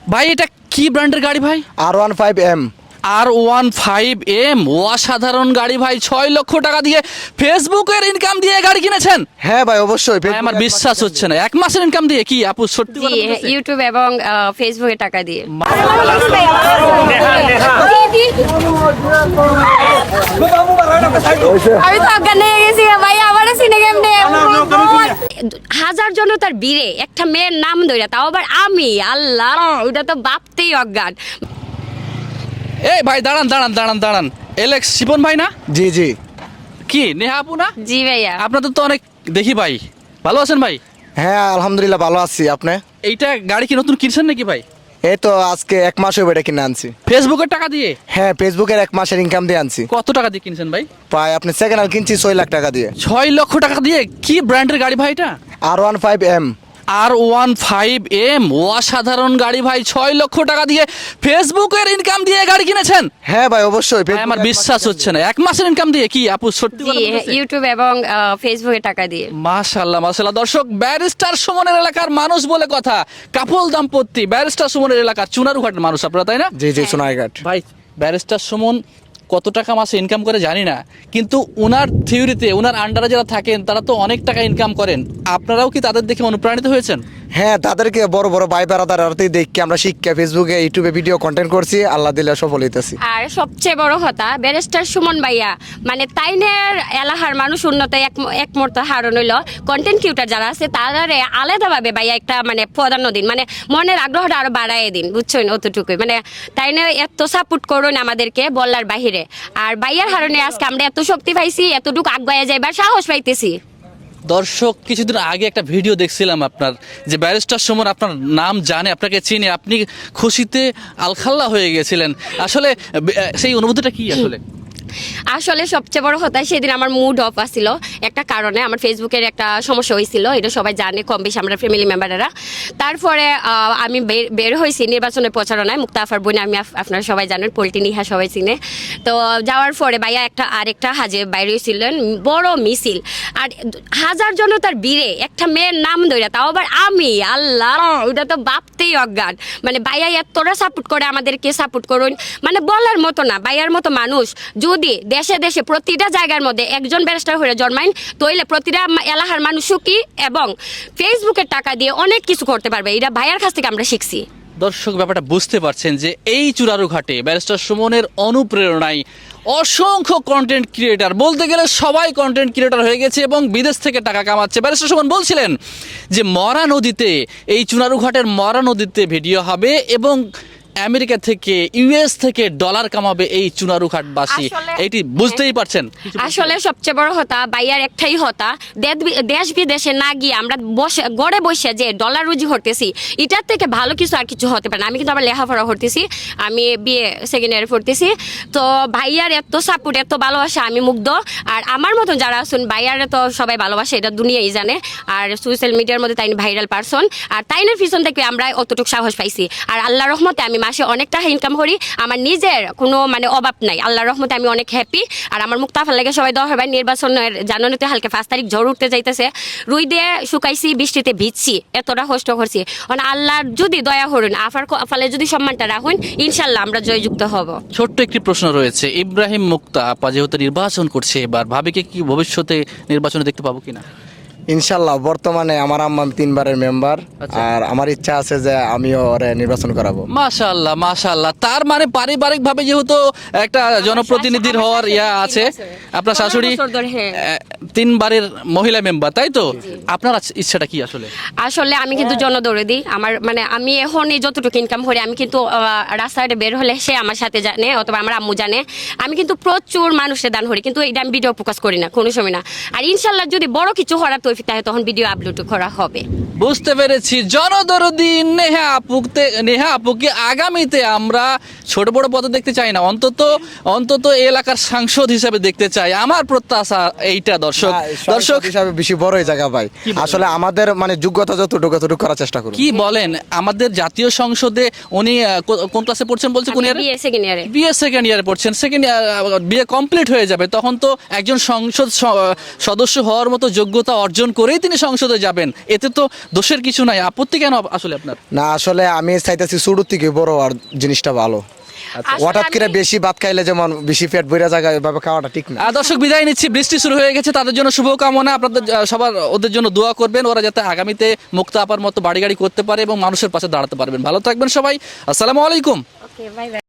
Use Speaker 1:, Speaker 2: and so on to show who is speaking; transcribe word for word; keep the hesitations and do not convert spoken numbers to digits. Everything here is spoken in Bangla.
Speaker 1: ভাই এটা কি ব্র্যান্ডের গাড়ি ভাই?
Speaker 2: R one five M.
Speaker 1: R one five M, অসাধারণ গাড়ি ভাই। ছয় লক্ষ টাকা দিয়ে ফেসবুকের ইনকাম দিয়ে গাড়ি কিনেছেন?
Speaker 2: হ্যাঁ ভাই অবশ্যই।
Speaker 1: ভাই, আমার বিশ্বাস হচ্ছে না, এক মাসের ইনকাম দিয়ে? কি আপু সত্যি কথা
Speaker 3: জি
Speaker 1: বলতেছে?
Speaker 3: ইউটিউব এবং ফেসবুকে টাকা দিয়ে। আমি তো অজ্ঞান হয়ে গেছি ভাই, আমারও চিনে কেমনে। হাজার জনতার ভিড়ে একটা মেয়ের নাম ধরে, তাও আবার আমি, আল্লাহ, ওটা তো ভাবতেই অজ্ঞান।
Speaker 1: এই ভাই দাঁড়ান দাঁড়ান দাঁড়ান দাঁড়ান, এলেক্স শিপন ভাই না?
Speaker 2: জি জি।
Speaker 1: কি নেহা আপু না?
Speaker 3: জি ভাইয়া।
Speaker 1: আপনাদের তো অনেক দেখি ভাই, ভালো আছেন ভাই?
Speaker 2: হ্যাঁ আলহামদুলিল্লাহ ভালো আছি। আপনি?
Speaker 1: এইটা গাড়ি কি নতুন কিনছেন নাকি ভাই?
Speaker 2: এই তো আজকে এক মাস হয়ে এটা কিনে আনছি।
Speaker 1: ফেসবুকের টাকা দিয়ে?
Speaker 2: হ্যাঁ ফেসবুকের এক মাসের ইনকাম দিয়ে আনছি।
Speaker 1: কত টাকা দিয়ে কিনছেন ভাই?
Speaker 2: প্রায় আপনি সেকেন্ড হ্যান্ড কিনছি ছয় লাখ টাকা দিয়ে।
Speaker 1: ছয় লক্ষ টাকা দিয়ে? কি ব্র্যান্ডের গাড়ি ভাই এটা?
Speaker 2: R one five M.
Speaker 1: R one five M, অসাধারণ গাড়ি ভাই। ছয় লক্ষ টাকা দিয়ে ফেসবুকের ইনকাম দিয়ে গাড়ি কিনেছেন?
Speaker 2: হ্যাঁ ভাই অবশ্যই।
Speaker 1: ভাই, আমার বিশ্বাস হচ্ছে না, এক মাসের ইনকাম দিয়ে? কি আপু সত্যি
Speaker 3: জি
Speaker 1: কথা বলতেছে?
Speaker 3: ইউটিউব এবং ফেসবুকে টাকা দিয়ে।
Speaker 1: মাশাআল্লাহ মাশাআল্লাহ। দর্শক, ব্যারিস্টার সুমনের এলাকার মানুষ বলে কথা, কাপল দাম্পত্য, ব্যারিস্টার সুমনের এলাকার চুনারুঘাটের মানুষ আপনারা, তাই না?
Speaker 2: জি জি সোনারঘাট।
Speaker 1: ভাই, ব্যারিস্টার সুমন কত টাকা মাসে ইনকাম করে জানি না, কিন্তু ওনার থিওরিতে, ওনার আন্ডারে যারা থাকেন তারা তো অনেক টাকা ইনকাম করেন। আপনারাও কি তাদের দেখে অনুপ্রাণিত হয়েছেন?
Speaker 2: হ্যাঁ তাদেরকে বড় বড় ভাই বেড়াদার দেখি আমরা শিক্ষা ফেসবুকে ইউটিউবে ভিডিও কন্টেন্ট করছি, আল্লাহ দিলে সফল হইতেছি।
Speaker 3: আর সবচেয়ে বড় কথা, ব্যারিস্টার সুমন ভাইয়া মানে তাইনের এলাকার মানুষ উন্নত এক এক মুহূর্ত হারণ হইল। কন্টেন্ট ক্রিয়েটর যারা আছে তারারে আলাদাভাবে ভাইয়া একটা মানে প্রাধান্য দিন, মানে মনের আগ্রহটা আরো বাড়াই দিন, বুঝছেন? অতটুকুই মানে তাইনে এত সাপোর্ট করুন আমাদেরকে বলার বাহিরে। আর ভাইয়ার হারণে আজকে আমরা এত শক্তি পাইছি, এতটুকু আগায় যাইবার সাহস পাইতেছি।
Speaker 1: দর্শক, কিছুদিন আগে একটা ভিডিও দেখছিলাম আপনার, যে ব্যারিস্টার সুমন আপনার নাম জানে, আপনাকে চিনে, আপনি খুশিতে আলখাল্লা হয়ে গেছিলেন। আসলে বে- সেই অনুভূতিটা কি আসলে?
Speaker 3: আসলে সবচেয়ে বড় কথা, সেদিন আমার মুড অফ আসছিল একটা কারণে। আমার ফেসবুকের একটা সমস্যা হয়েছিল, এটা সবাই জানে কম বেশি, আমরা ফ্যামিলি মেম্বাররা। তারপরে আহ, আমি বের- বের হয়েছি নির্বাচনের প্রচারণায়, মুক্তা আফার বোন, আমি আপ- আপনারা সবাই জানেন, পোল্টি নিহা সবাই চিনে। তো যাওয়ার পরে ভাইয়া একটা আরেকটা হাজে বাইরে হয়েছিলেন, বড় মিছিল। আর হাজার জনতার ভিড়ে একটা মেয়ের নাম ধরে, তাও আবার আমি, আল্লাহ, ওটা তো ভাবতেই অজ্ঞান। মানে ভাইয়া এতটা সাপোর্ট করে আমাদেরকে, সাপোর্ট করুন মানে বলার মতো না। ভাইয়ার মতো মানুষ যদি দেশে দেশে প্রতিটা জায়গার মধ্যে একজন ব্যারিস্টার হয়ে জন্মাইন, তইলে প্রতিটা মা- এলাকার মানুষ সুখী এবং ফেসবুকের টাকা দিয়ে অনেক কিছু করতে পারবে। এটা ভাইয়ার কাছ থেকে আমরা শিখছি।
Speaker 1: দর্শক, ব্যাপারটা বুঝতে পারছেন যে এই চুনারুঘাটে ব্যারিস্টার সুমনের অনুপ্রেরণায় অসংখ্য কন্টেন্ট ক্রিয়েটার, বলতে গেলে সবাই কন্টেন্ট ক্রিয়েটার হয়ে গেছে এবং বিদেশ থেকে টাকা কামাচ্ছে। ব্যারিস্টার সুমন বলছিলেন যে মরা নদীতে, এই চুনারুঘাটের মরা নদীতে ভিডিও হবে এবং আমেরিকা থেকে, ইউএস থেকে ডলার কামাবে এই চুনারুঘাটবাসী।
Speaker 3: আসলে-
Speaker 1: এইটি বুঝতেই পারছেন।
Speaker 3: আসলে সবচেয়ে বড় কথা, বাইয়ার একটাই হতা, দেদ- দেশ বিদেশে না গিয়ে আমরা বসে গড়ে বসে যে ডলার রুজি হতেছি, এটার থেকে ভালো কিছু আর কিছু হতে পারে না। আমি কিন্তু আমার লেখাপড়া করতেছি, আমি বিয়ে সেকেন্ড ইয়ারে পড়তেছি। তো ভাইয়ার এত সাপোর্ট, এত ভালোবাসা, আমি মুগ্ধ। আর আমার মতন যারা আছেন, ভাইয়ারে তো সবাই ভালোবাসে, এটা দুনিয়াই জানে। আর সোশ্যাল মিডিয়ার মধ্যে তাই ভাইরাল পারসন, আর তাইনের পিছন থেকে আমরা অতটুকু সাহস পাইছি। আর আল্লাহর রহমতে আমি মাসে অনেক টাকা ইনকাম করি, আমার নিজের কোনো মানে অভাব নাই। আল্লাহর রহমতে আমি অনেক হ্যাপি। আর আমার মুক্তাফার লাগে সবাই দেওয়া হবে, নির্বাচনের জানুয়ারিতে হালকা পাঁচ তারিখ ঝড় উঠতে যাইতেছে, রুই দিয়ে শুকাইছি, বৃষ্টিতে ভিজছি, এতটা কষ্ট করছি। মানে আল্লাহর যদি দয়া করুন, আফার ফালে যদি সম্মানটা রাখুন, ইনশাল্লাহ আমরা জয়যুক্ত হব।
Speaker 1: ছোট্ট একটি প্রশ্ন রয়েছে, ইব্রাহিম মুক্তা আপা যেহেতু নির্বাচন করছে এবার, ভাবিকে কি ভবিষ্যতে নির্বাচনে দেখতে পাবো কিনা?
Speaker 2: ইনশাল্লাহ। বর্তমানে আমার আম্মা তিনবারের মেম্বার,
Speaker 1: আচ্ছা।
Speaker 2: আর আমার ইচ্ছা আছে যে আমিও ওরে নির্বাচন করাবো।
Speaker 1: মাশাআল্লাহ মাশাআল্লাহ। তার মানে পারিবারিক ভাবে যেহেতু একটা জনপ্রতিনিধির
Speaker 3: আমার
Speaker 1: হওয়ার
Speaker 3: শাশুড়ি
Speaker 1: ইয়া
Speaker 3: তিন
Speaker 1: আছে,
Speaker 3: বছর।
Speaker 1: আপনার
Speaker 3: পনেরো
Speaker 1: শাশুড়ি
Speaker 3: বছর ধরে, হ্যাঁ।
Speaker 1: আহ, তিনবারের মহিলা মেম্বার, তাই তো? আপনার আছ- ইচ্ছাটা কি আসলে?
Speaker 3: আসলে আমি কিন্তু জনদৌড়ে দিই আমার, মানে আমি এখনই যতটুকু ইনকাম করি, আমি কিন্তু আহ, রাস্তায় বের হলে সে আমার সাথে জানে, অথবা আমার আম্মু জানে। আমি কিন্তু প্রচুর মানুষের দান করি, কিন্তু এটা আমি ভিডিও ফোকাস করি না কোনো সময় না। আর ইনশাল্লাহ যদি বড় কিছু করার তৌফিক থাকে, তখন ভিডিও আপলোড করা হবে।
Speaker 1: বুঝতে পেরেছি। জনদরদি নেহা আপুকে, নেহা আপুকে আগামীতে আমরা ছোট বড় পদে দেখতে চাই না, অন্তত অন্তত এই এলাকার সাংসদ হিসেবে দেখতে চাই। আমার প্রত্যাশা এইটা। দর্শক দর্শক
Speaker 2: হিসাবে বেশি বড় এই জায়গা ভাই, আসলে আমাদের মানে যোগ্যতা যতটুকু ততটুকু করার চেষ্টা করুন।
Speaker 1: কি বলেন, আমাদের জাতীয় সংসদে উনি আহ, কো- কোন ক্লাসে পড়ছেন বলছে, কোন ইয়ারে?
Speaker 3: বিয়ে সেকেন্ড ইয়ারে।
Speaker 1: বিএ সেকেন্ড ইয়ারে পড়ছেন, সেকেন্ড ইয়ার বিএ কমপ্লিট হয়ে যাবে, তখন তো একজন সংসদ স- সদস্য হওয়ার মতো যোগ্যতা অর্জন অর্জন করেই তিনি সংসদে যাবেন, এতে তো দোষের কিছু নাই, আপত্তি কেন আসলে আপনার?
Speaker 2: না আসলে আমি চাইতেছি শুরু থেকে বড় আর জিনিসটা ভালো।
Speaker 3: আসলে
Speaker 2: হঠাৎ করে
Speaker 3: আমি-
Speaker 2: বেশি ভাত খাইলে যেমন বেশি পেট ভরে জায়গায় এভাবে খাওয়াটা ঠিক না।
Speaker 1: আহ, দর্শক বিদায় নিচ্ছি, বৃষ্টি শুরু হয়ে গেছে, তাদের জন্য শুভকামনা, আপনাদের আহ, সবার ওদের জন্য দোয়া করবেন, ওরা যাতে আগামীতে মুক্তা আপার মতো বাড়ি গাড়ি করতে পারে এবং মানুষের পাশে দাঁড়াতে পারবেন। ভালো থাকবেন সবাই, আসসালামু আলাইকুম।
Speaker 3: Okay bye by.